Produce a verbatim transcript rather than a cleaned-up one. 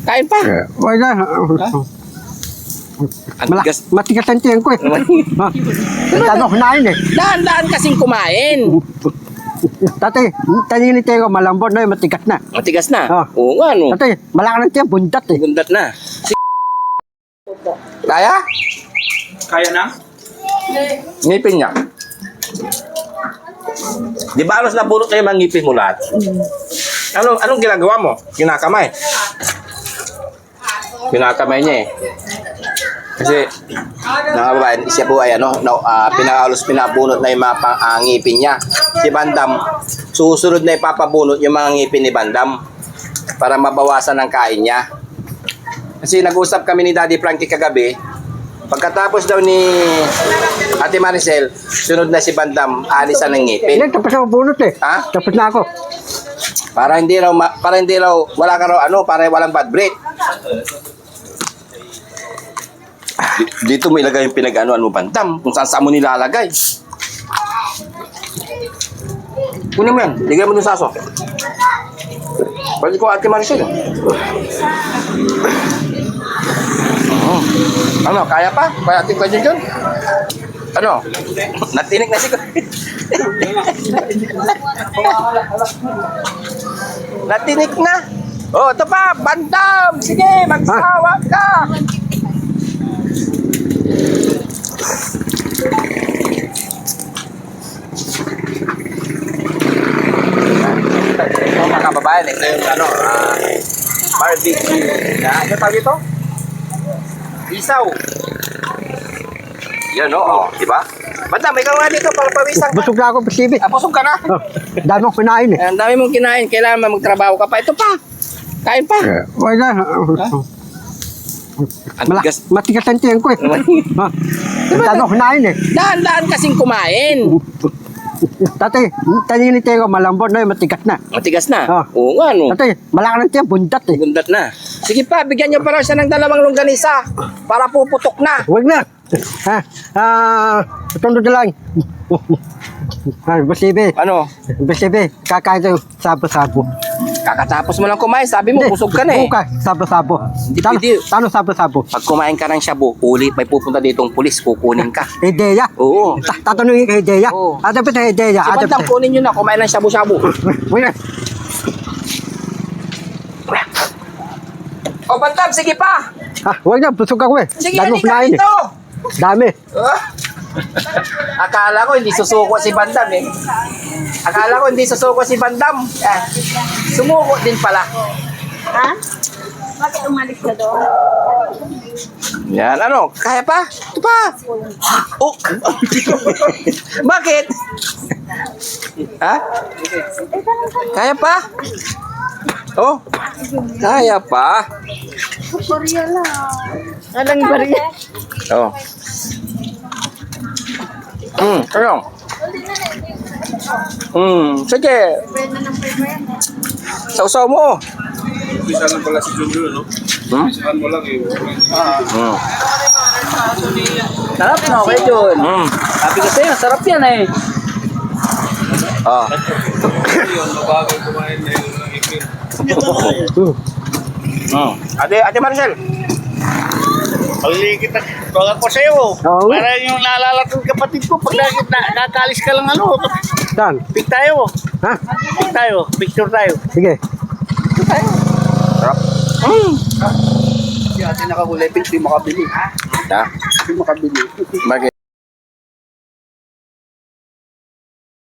Kain pa. Wala. Ang Mala, tigas. matigas ang tiyan ko eh. Ha? Tano kunain eh. Dahan-dahan kasing kumain. Tatay, taninin tayo ko, malambot na yun, matigas na. Matigas na. Ah. Oo nga, no. Tatay, malaki ng tiyan, bundat eh. Gundat na. Kaya? Kaya na? Ngipin niya. Di ba alos nabulot na yung mga ngipin mo lahat? Anong, anong ginagawa mo? Kinakamay. Kinakamay niya eh. Kasi, mga babae, siya po ay ano, no, uh, pinakalos pinabunot na yung mga pang, uh, ngipin niya. Si Bandam, susunod na ipapabunot yung mga ngipin ni Bandam para mabawasan ang kain niya. Kasi nag-usap kami ni Daddy Frankie kagabi, pagkatapos daw ni Ate Maricel, sunod na si Bandam, alisan ng ngipin. Hindi, tapos ako bunot eh. Ha? Tapos na ako. Para hindi raw, ma- para hindi raw, wala ka raw ano, para walang bad breath. Dito mo ilagay yung pinag-anuan mo, Bandam, kung saan saan mo nilalagay. Kunin mo yan, ligay mo dun sa aso. Pwede ko Ate Maricel. Oh. Ano, kaya pa? Kaya Ate Kwadyon dyan? Ano? Natinig na siguro. Natinig na. Oh, ito pa, Bandam! Sige, magsawa ka! Ito mga kababayan, ito yung ano, uh, barbecue. Na, ano tawag ito? Isaw. Yan o, oh, di ba? Bandam, ikaw nga dito para pawisan ka. Busog na ako, pasibi. Ah, busog ka na. Oh, dami akong kunain eh. Ang dami mong kinain, kailangan mo magtrabaho ka pa. Ito pa, kain pa. Wala. Ang Mala, tigas. matigas ang tiyan ko eh. Ha? Tano kunain eh. Dahan-dahan kasing kumain. Tatay, taninin tayo ko, malambot na yun, matigas na. Matigas na. Ah. Oo nga, no. Tatay, malaki ng tiyan, bundat eh. Gundat na. Sige pa, bigyan niyo pa raw siya ng dalawang longganisa para puputok na. Huwag na. Ha? Ah, tundo na lang. Ah, basibe. Ano? Basibe, kakain tayo sabo-sabo. Kakatapos mo lang kumain, sabi mo, busog ka na eh. Bukas, sabo-sabo. Hindi Tano, pwede. tano sabo-sabo. Pag kumain ka ng shabu, ulit may pupunta ditong pulis, kukunin ka. Ideya. Oo. Ta- Tatanungin ka ideya. Oo. Ada pa sa ideya. Si Ada Bandam, pa. kunin nyo na, kumain ng shabu-shabu. Huwag na. O Bandam, sige pa. Ah, huwag na, busog ako eh. Sige, Dami hindi ka kunain eh. dito. Dami. Ah. Akala ko hindi susuko si Bandam eh. Akala ko hindi susuko si Bandam. Eh, sumuko din pala. Ha? Bakit umalis ka doon? Yan, ano? Kaya pa? Ito pa. Oh. Bakit? Ha? Kaya pa? Oh. Kaya pa? Korea lang. Alang Korea? Oh. Hmm, ano? Hmm, sige. Sausaw mo. Bisa lang pala si Junjun, no? Hmm? Saan mo lang eh. Hmm. Sarap na, okay yun. Hmm. Sabi ko sa'yo, sarap yan eh. Oh. Yun, mabagal kumain na yun ng ipin. Hmm. Ate, Ate Maricel. Paligid na tawag ko sa'yo. Oo. Para yung naalala ko yung kapatid ko, pag na, na, nakalis ka lang ano, Saan? pick tayo. Ha? Pick tayo, picture tayo. Sige. Sarap. Si ate nakakulay, hindi makabili. Ha? Hindi makabili. Bakit?